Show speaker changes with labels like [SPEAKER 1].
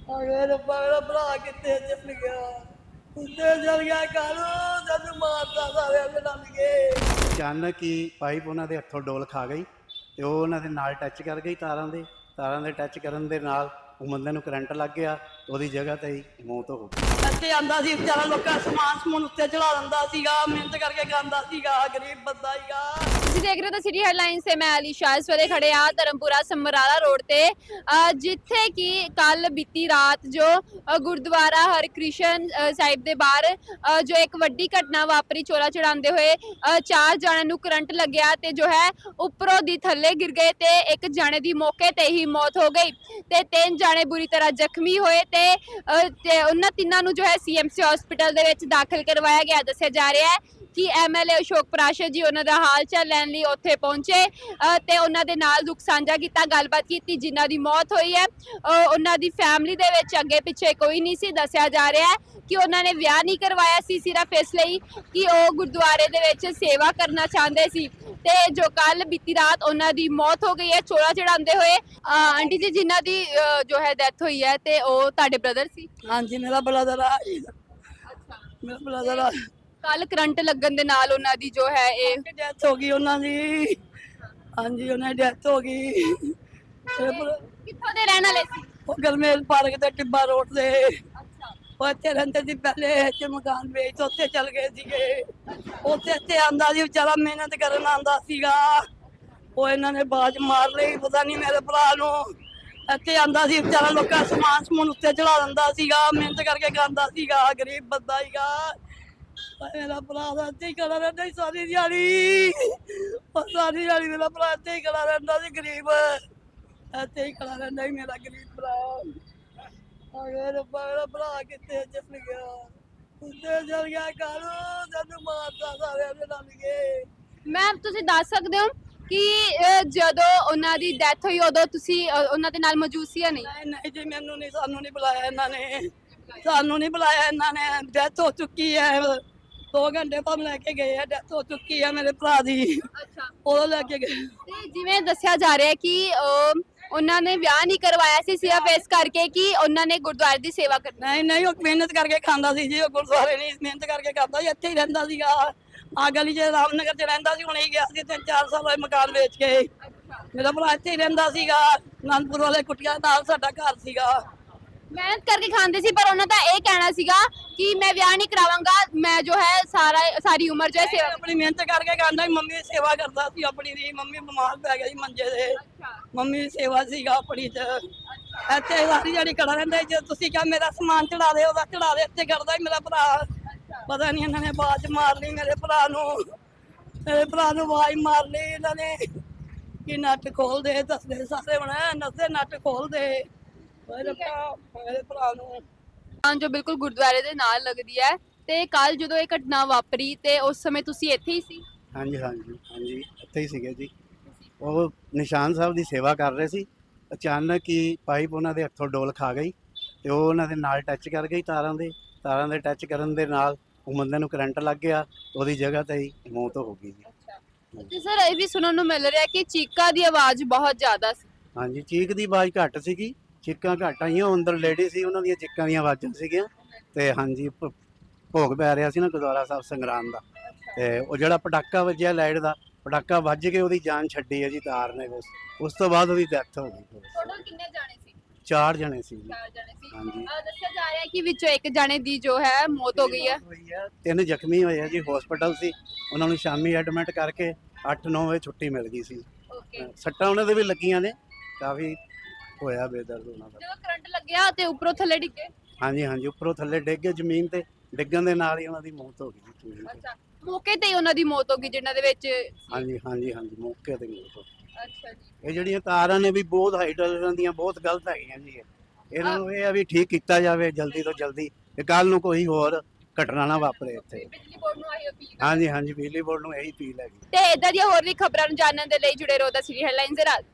[SPEAKER 1] ਅਰੇ ਰੱਬਾ ਮੇਰਾ ਭਰਾ ਕਿੱਥੇ ਚੱਲ ਗਿਆ। ਉੱਤੇ ਚੱਲ ਗਿਆ ਕਾਲੂ ਜਦ ਮਾਰਦਾ ਸਾਰਿਆਂ ਦੇ ਨਾਲ ਗਏ।
[SPEAKER 2] ਅਚਾਨਕ ਹੀ ਪਾਈਪ ਉਹਨਾਂ ਦੇ ਹੱਥੋਂ ਡੋਲ ਖਾ ਗਈ ਤੇ ਉਹ ਉਹਨਾਂ ਦੇ ਨਾਲ ਟੱਚ ਕਰ ਗਈ ਤਾਰਾਂ ਦੇ ਟੱਚ ਕਰਨ ਦੇ ਨਾਲ ਉਹ ਬੰਦੇ ਨੂੰ ਕਰੰਟ ਲੱਗ ਗਿਆ। ਉਹਦੀ ਜਗ੍ਹਾ ਤੇ ਹੀ ਮੌਤ ਹੋ ਗਈ।
[SPEAKER 1] ਇੱਥੇ ਆਂਦਾ ਸੀ ਵਿਚਾਰਾ, ਲੋਕਾਂ ਸਮਾਨ ਉੱਤੇ ਚੜਾ ਦਿੰਦਾ ਸੀਗਾ, ਮਿਹਨਤ ਕਰਕੇ ਖਾਂਦਾ ਸੀਗਾ, ਗਰੀਬ ਬੰਦਾ ਸੀਗਾ।
[SPEAKER 3] ਤੁਸੀਂ ਦੇਖ ਰਹੇ ਹੋ ਤਾਂ ਸਿਟੀ ਹੈਡਲਾਈਨਸ ਤੇ ਮੈਂ ਅਲੀਸ਼ਾ ਇਸ ਵੇਲੇ ਖੜੇ ਆ ਧਰਮਪੁਰਾ ਸਮਰਾਲਾ ਰੋਡ ਤੇ, ਜਿੱਥੇ ਕਿ ਕੱਲ ਬੀਤੀ ਰਾਤ ਜੋ ਗੁਰਦੁਆਰਾ ਹਰਕ੍ਰਿਸ਼ਨ ਸਾਹਿਬ ਦੇ ਬਾਹਰ ਜੋ ਇੱਕ ਵੱਡੀ ਘਟਨਾ ਵਾਪਰੀ, ਚੋਲਾ ਚੜਾਉਂਦੇ ਹੋਏ 4 ਜਣਿਆਂ ਨੂੰ ਕਰੰਟ ਲੱਗਿਆ ਤੇ ਜੋ ਹੈ ਉੱਪਰੋਂ ਦੀ ਥੱਲੇ ਗਿਰ ਗਏ ਤੇ ਇੱਕ ਜਣੇ ਦੀ ਮੌਕੇ ਤੇ ਹੀ ਮੌਤ ਹੋ ਗਈ ਤੇ 3 ਜਣੇ ਬੁਰੀ ਤਰ੍ਹਾਂ ਜ਼ਖਮੀ ਹੋਏ ਤੇ ਉਹਨਾਂ ਤਿੰਨਾਂ ਨੂੰ ਜੋ ਹੈ ਸੀਐਮਸੀ ਹਸਪੀਟਲ ਦੇ ਵਿੱਚ ਦਾਖਲ ਕਰਵਾਇਆ ਗਿਆ। ਦੱਸਿਆ ਜਾ ਰਿਹਾ ਹੈ ਕਿ ਐਮਐਲਏ ਅਸ਼ੋਕ ਪ੍ਰਾਸ਼ਰ ਜੀ ਉਹਨਾਂ ਦਾ ਹਾਲ ਚਾਲ ਲੈਣ ਲਈ ਉੱਥੇ ਪਹੁੰਚੇ ਤੇ ਉਹਨਾਂ ਦੇ ਨਾਲ ਦੁੱਖ ਸਾਂਝਾ ਕੀਤਾ, ਗੱਲਬਾਤ ਕੀਤੀ। ਜਿਨ੍ਹਾਂ ਦੀ ਮੌਤ ਹੋਈ ਹੈ ਉਹਨਾਂ ਦੀ ਫੈਮਿਲੀ ਦੇ ਵਿੱਚ ਅੱਗੇ ਪਿੱਛੇ ਕੋਈ ਨਹੀਂ ਸੀ। ਦੱਸਿਆ ਜਾ ਰਿਹਾ ਹੈ ਕਿ ਉਹਨਾਂ ਨੇ ਵਿਆਹ ਨਹੀਂ ਕਰਵਾਇਆ ਸੀ ਸਿਰਫ ਇਸ ਲਈ ਕਿ ਉਹ ਗੁਰਦੁਆਰੇ ਦੇ ਵਿੱਚ ਸੇਵਾ ਕਰਨਾ ਚਾਹੁੰਦੇ ਸੀ ਤੇ ਜੋ ਕੱਲ ਬੀਤੀ ਰਾਤ ਉਹਨਾਂ ਦੀ ਮੌਤ ਹੋ ਗਈ ਹੈ ਚੋਲਾ ਚੜਾਉਂਦੇ ਹੋਏ। ਆਂਟੀ ਜੀ, ਜਿਨ੍ਹਾਂ ਦੀ ਜੋ ਹੈ ਡੈਥ ਹੋਈ ਹੈ ਤੇ ਉਹ ਤੁਹਾਡੇ ਬ੍ਰਦਰ ਸੀ?
[SPEAKER 1] ਹਾਂਜੀ, ਮੇਰਾ ਬਲਾਦਰ ਆ।
[SPEAKER 3] ਅੱਛਾ,
[SPEAKER 1] ਮੇਰਾ ਬਲਾਦਰ ਆ।
[SPEAKER 3] ਕੱਲ ਕਰੰਟ ਲੱਗਣ ਦੇ ਨਾਲ ਉਹਨਾਂ ਦੀ ਜੋ ਹੈ ਇਹ
[SPEAKER 1] ਡੈਥ ਹੋ ਗਈ ਉਹਨਾਂ ਦੀ। ਹਾਂਜੀ, ਉਹਨਾਂ ਦੀ ਡੈਥ ਹੋ ਗਈ।
[SPEAKER 3] ਕਿੱਥੋਂ ਦੇ ਰਹਿਣ ਵਾਲੇ ਸੀ?
[SPEAKER 1] ਉਹ ਗਰਮੇਲ ਪਾਰਕ ਤੇ ਟਿੱਬਾ ਰੋਡ ਤੇ
[SPEAKER 3] ਅੱਛਾ,
[SPEAKER 1] ਉਹ ਇੱਥੇ ਰਹਿੰਦੇ ਸੀ ਪਹਿਲੇ। ਇੱਥੇ ਮਕਾਨ ਵੇਚ ਉੱਥੇ ਚਲ ਗਏ ਸੀਗੇ। ਉੱਥੇ ਆਂਦਾ ਸੀ ਵਿਚਾਰਾ, ਮਿਹਨਤ ਕਰਨ ਆਂਦਾ ਸੀਗਾ। ਉਹ ਇਹਨਾਂ ਨੇ ਬਾਜ ਮਾਰ ਲਈ, ਪਤਾ ਨਹੀਂ ਮੇਰੇ ਭਰਾ ਨੂੰ। ਇੱਥੇ ਆਂਦਾ ਸੀ ਵਿਚਾਰਾ, ਲੋਕਾਂ ਸਮਾਨ ਉੱਤੇ ਚੜਾ ਦਿੰਦਾ ਸੀਗਾ, ਮਿਹਨਤ ਕਰਕੇ ਖਾਂਦਾ ਸੀਗਾ, ਗਰੀਬ ਬੰਦਾ ਸੀਗਾ। ਮੇਰਾ ਭਰਾ ਦਾ ਇੱਥੇ ਹੀ ਖੜਾ ਰਹਿੰਦਾ ਸੀ ਸਾਰੀ ਦਿਹਾੜੀ। ਸਾਰੀ ਦਿਹਾੜੀ ਮੇਰਾ ਭਰਾ ਇੱਥੇ ਹੀ ਖੜਾ ਰਹਿੰਦਾ ਸੀ, ਗਰੀਬ ਇੱਥੇ ਹੀ ਖੜਾ ਰਹਿੰਦਾ ਸੀ ਮੇਰਾ ਗਰੀਬ ਭਰਾ। ਅਰੇ ਰੱਬਾ ਮੇਰਾ ਭਰਾ ਕਿੱਥੇ ਚੱਲ ਗਿਆ। ਉੱਤੇ ਚੱਲ ਗਿਆ ਕਾਲੂ ਜਦ ਮਾਰਦਾ ਸਾਰਿਆਂ ਦੇ ਨਾਲ ਗਏ।
[SPEAKER 3] ਮੈਮ ਤੁਸੀਂ ਦੱਸ ਸਕਦੇ ਹੋ ਕਿ ਜਦੋਂ ਉਹਨਾਂ ਦੀ ਡੈਥ ਹੋਈ ਉਦੋਂ ਤੁਸੀਂ ਉਹਨਾਂ ਦੇ ਨਾਲ ਮੌਜੂਦ ਸੀ ਜਾਂ ਨਹੀਂ?
[SPEAKER 1] ਨਹੀਂ ਜੀ, ਮੈਨੂੰ ਨਹੀਂ, ਸਾਨੂੰ ਨਹੀਂ ਬੁਲਾਇਆ ਇਹਨਾਂ ਨੇ। ਸਾਨੂੰ ਨਹੀਂ ਬੁਲਾਇਆ ਇਹਨਾਂ ਨੇ। ਡੈਥ ਹੋ ਚੁੱਕੀ ਹੈ, 2 ਘੰਟੇ ਬਾਅਦ ਲੈ ਕੇ ਗਏ ਆ। ਡੈਥ ਹੋ ਚੁੱਕੀ ਹੈ ਮੇਰੇ ਭਰਾ ਦੀ,
[SPEAKER 3] ਅੱਛਾ,
[SPEAKER 1] ਉਦੋਂ ਲੈ ਕੇ ਗਏ।
[SPEAKER 3] ਤੇ ਜਿਵੇਂ ਦੱਸਿਆ ਜਾ ਰਿਹਾ ਕਿ ਉਹਨਾਂ ਨੇ ਵਿਆਹ ਨਹੀਂ ਕਰਵਾਇਆ ਸੀ ਸਿਰਫ ਇਸ ਕਰਕੇ ਕਿ ਉਹਨਾਂ ਨੇ ਗੁਰਦੁਆਰੇ ਦੀ ਸੇਵਾ ਕਰਨੀ।
[SPEAKER 1] ਨਹੀਂ, ਉਹ ਮਿਹਨਤ ਕਰਕੇ ਖਾਂਦਾ ਸੀ ਜੀ। ਉਹ ਗੁਰਦੁਆਰੇ ਨਹੀਂ ਮਿਹਨਤ ਕਰਕੇ ਖਾਂਦਾ ਸੀ, ਇੱਥੇ ਹੀ ਰਹਿੰਦਾ ਸੀਗਾ। ਆ ਗਲੀ 'ਚ ਰਾਮਨਗਰ 'ਚ ਰਹਿੰਦਾ ਸੀ, ਹੁਣੇ ਹੀ ਗਿਆ ਸੀ 3-4 ਸਾਲ ਹੋਏ ਮਕਾਨ ਵੇਚ ਕੇ। ਮੇਰਾ ਭਰਾ ਇੱਥੇ ਹੀ ਰਹਿੰਦਾ ਸੀਗਾ, ਅਨੰਦਪੁਰ ਵਾਲੇ ਕੁੱਟੀਆਂ ਨਾਲ ਸਾਡਾ ਘਰ ਸੀਗਾ।
[SPEAKER 3] ਮਿਹਨਤ ਕਰਕੇ ਖਾਂਦੇ ਸੀ, ਪਰ ਉਹਨਾਂ ਦਾ ਇਹ ਕਹਿਣਾ ਸੀਗਾ ਕਿ ਮੈਂ ਵਿਆਹ ਨਹੀਂ ਕਰਾਵਾਂਗਾ, ਮੈਂ ਜੋ ਹੈ ਸਾਰੀ ਉਮਰ ਜੋ ਹੈ ਸੇਵਾ।
[SPEAKER 1] ਆਪਣੀ ਮਿਹਨਤ ਕਰਕੇ ਖਾਂਦਾ ਸੀ। ਮੰਮੀ ਦੀ ਸੇਵਾ ਕਰਦਾ ਸੀ ਆਪਣੀ ਦੀ। ਮੰਮੀ ਬਿਮਾਰ ਪੈ ਗਈ ਮੰਜੇ ਤੇ, ਮੰਮੀ ਦੀ ਸੇਵਾ ਸੀਗਾ ਆਪਣੀ ਚ। ਇੱਥੇ ਸਾਰੀ ਜਿਹੜੀ ਖੜਾ ਰਹਿੰਦਾ ਸੀ। ਜੇ ਤੁਸੀਂ ਕਿਹਾ ਮੇਰਾ ਸਮਾਨ ਚੜਾ ਦੇ, ਉਹਦਾ ਚੜਾ ਦੇ, ਇੱਥੇ ਕਰਦਾ ਸੀ ਮੇਰਾ ਭਰਾ। ਪਤਾ ਨਹੀਂ ਇਹਨਾਂ ਨੇ ਆਵਾਜ਼ ਮਾਰ ਲਈ ਮੇਰੇ ਭਰਾ ਨੂੰ। ਮੇਰੇ ਭਰਾ ਨੂੰ ਆਵਾਜ਼ ਮਾਰ ਲਈ ਇਹਨਾਂ ਨੇ ਕਿ ਨੱਟ ਖੋਲ ਦੇ। ਦੱਸਦੇ ਸਾਰੇ ਹੁਣ ਨੱਸੇ ਨੱਟ ਖੋਲ ਦੇ ਮੇਰੇ ਭਰਾ ਨੂੰ।
[SPEAKER 3] ਜੋ ਬਿਲਕੁਲ ਗੁਰਦੁਆਰੇ ਦੇ ਨਾਲ ਲੱਗਦੀ ਹੈ ਤੇ ਕੱਲ ਜਦੋਂ ਇਹ ਘਟਨਾ ਵਾਪਰੀ ਤੇ ਉਸ ਸਮੇਂ ਤੁਸੀਂ ਇੱਥੇ ਹੀ ਸੀ?
[SPEAKER 2] ਹਾਂਜੀ ਇੱਥੇ ਹੀ ਸੀਗੇ ਜੀ। ਉਹ ਨਿਸ਼ਾਨ ਸਾਹਿਬ ਦੀ ਸੇਵਾ ਕਰ ਰਹੇ ਸੀ। ਅਚਾਨਕ ਹੀ ਪਾਈਪ ਉਹਨਾਂ ਦੇ ਹੱਥੋਂ ਡੋਲ ਖਾ ਗਈ ਤੇ ਉਹ ਉਹਨਾਂ ਦੇ ਨਾਲ ਟੱਚ ਕਰ ਗਈ ਤਾਰਾਂ ਦੇ ਟੱਚ ਕਰਨ ਦੇ ਨਾਲ ਉਹ ਬੰਦੇ ਨੂੰ ਕਰੰਟ ਲੱਗ ਗਿਆ। ਉਹਦੀ ਜਗ੍ਹਾ ਤੇ ਹੀ ਮੌਤ ਹੋ ਗਈ ਜੀ।
[SPEAKER 3] ਤੇ ਸਰ ਇਹ ਵੀ ਸੁਣਨ ਨੂੰ ਮਿਲ ਰਿਹਾ ਕਿ ਚੀਕਾਂ ਦੀ ਆਵਾਜ਼ ਬਹੁਤ ਜ਼ਿਆਦਾ ਸੀ।
[SPEAKER 2] ਹਾਂਜੀ, ਚੀਕ ਦੀ ਆਵਾਜ਼ ਘੱਟ ਸੀਗੀ, ਚੀਕਾਂ ਘੱਟ ਆਈਆਂ। ਉਹ ਅੰਦਰ ਲੇਡੀ ਸੀ, ਉਹਨਾਂ ਦੀਆਂ ਚੀਕਾਂ ਦੀਆਂ ਆਵਾਜ਼ਾਂ ਸੀਗੀਆਂ ਤੇ ਹਾਂਜੀ ਭੋਗ ਪੈ ਰਿਹਾ ਸੀ ਨਾ ਗੁਰਦੁਆਰਾ ਸਾਹਿਬ ਸੰਗਰਾਮ ਦਾ। ਤੇ ਉਹ ਜਿਹੜਾ ਪਟਾਕਾ ਵੱਜਿਆ ਲਾਈਟ ਦਾ, ਪਟਾਕਾ ਵੱਜ ਕੇ ਉਹਦੀ ਜਾਨ ਛੱਡੀ ਹੈ ਜੀ ਤਾਰ ਨੇ। ਉਸ ਤੋਂ ਬਾਅਦ ਉਹਦੀ ਡੈਥ ਹੋ ਗਈ।
[SPEAKER 3] ਟੋਟਲ ਕਿੰਨੇ ਜਾਣੇ ਸੀ?
[SPEAKER 2] 4 ਜਣੇ ਸੀ ਜੀ।
[SPEAKER 3] 4 ਜਾਣੇ ਸੀ।
[SPEAKER 2] ਹਾਂਜੀ,
[SPEAKER 3] ਦੱਸਿਆ ਜਾ ਰਿਹਾ ਹੈ ਕਿ ਵਿੱਚੋਂ ਇੱਕ ਜਾਣੇ ਦੀ ਜੋ ਹੈ ਮੌਤ ਹੋ ਗਈ ਹੈ।
[SPEAKER 2] 3 ਜ਼ਖਮੀ ਹੋਏ ਆ ਜੀ, ਹਸਪੀਟਲ ਸੀ। ਉਹਨਾਂ ਨੂੰ ਸ਼ਾਮੀ ਐਡਮਿਟ ਕਰਕੇ 8-9 ਵਜੇ ਛੁੱਟੀ ਮਿਲ ਗਈ ਸੀ।
[SPEAKER 3] ਓਕੇ,
[SPEAKER 2] ਸੱਟਾਂ ਉਹਨਾਂ ਦੇ ਵੀ ਲੱਗੀਆਂ ਨੇ, ਕਾਫੀ ਹੋਇਆ ਬੇਦਰਦ ਉਹਨਾਂ ਦਾ।
[SPEAKER 3] ਜਦੋਂ ਕਰੰਟ ਲੱਗਿਆ ਤੇ ਉੱਪਰੋਂ ਥੱਲੇ ਡਿੱਗੇ?
[SPEAKER 2] ਹਾਂਜੀ, ਉੱਪਰੋਂ ਥੱਲੇ ਡਿੱਗ ਗਏ ਜ਼ਮੀਨ ਤੇ। ਡਿੱਗਣ ਦੇ ਨਾਲ ਹੀ ਉਹਨਾਂ ਦੀ ਮੌਤ ਹੋ ਗਈ ਜੀ।
[SPEAKER 3] ਅੱਛਾ, ਮੌਕੇ ਤੇ ਹੀ ਉਹਨਾਂ ਦੀ ਮੌਤ ਹੋ ਗਈ ਜਿਨ੍ਹਾਂ ਦੇ ਵਿੱਚ?
[SPEAKER 2] ਹਾਂਜੀ ਮੌਕੇ ਤੇ ਮੌਤ ਹੋ ਗਈ।
[SPEAKER 3] ਅੱਛਾ ਜੀ।
[SPEAKER 2] ਇਹ ਜਿਹੜੀਆਂ ਤਾਰਾਂ ਨੇ ਵੀ ਬਹੁਤ ਹਾਈਟ ਦੀਆਂ ਬਹੁਤ ਗਲਤ ਹੈਗੀਆਂ ਜੀ। ਇਹਨਾਂ ਨੂੰ ਇਹ ਆ ਵੀ ਠੀਕ ਕੀਤਾ ਜਾਵੇ ਜਲਦੀ ਤੋਂ ਜਲਦੀ, ਤੇ ਕੱਲ ਨੂੰ ਕੋਈ ਹੋਰ ਘਟਨਾ ਨਾ ਵਾਪਰੇ ਇੱਥੇ।
[SPEAKER 3] ਬਿਜਲੀ ਬੋਰਡ ਨੂੰ ਆਈ ਅਪੀਲ।
[SPEAKER 2] ਹਾਂਜੀ, ਬਿਜਲੀ ਬੋਰਡ ਨੂੰ ਇਹੀ ਅਪੀਲ ਹੈਗੀ।
[SPEAKER 3] ਤੇ ਇਦਾਂ ਦੀਆਂ ਹੋਰ ਵੀ ਖਬਰਾਂ ਨੂੰ ਜਾਣਨ ਦੇ ਲਈ ਜੁੜੇ ਰਹੋ ਦਾ ਸਿਟੀ ਹੈਡਲਾਈਨਸ ਦੇ ਨਾਲ।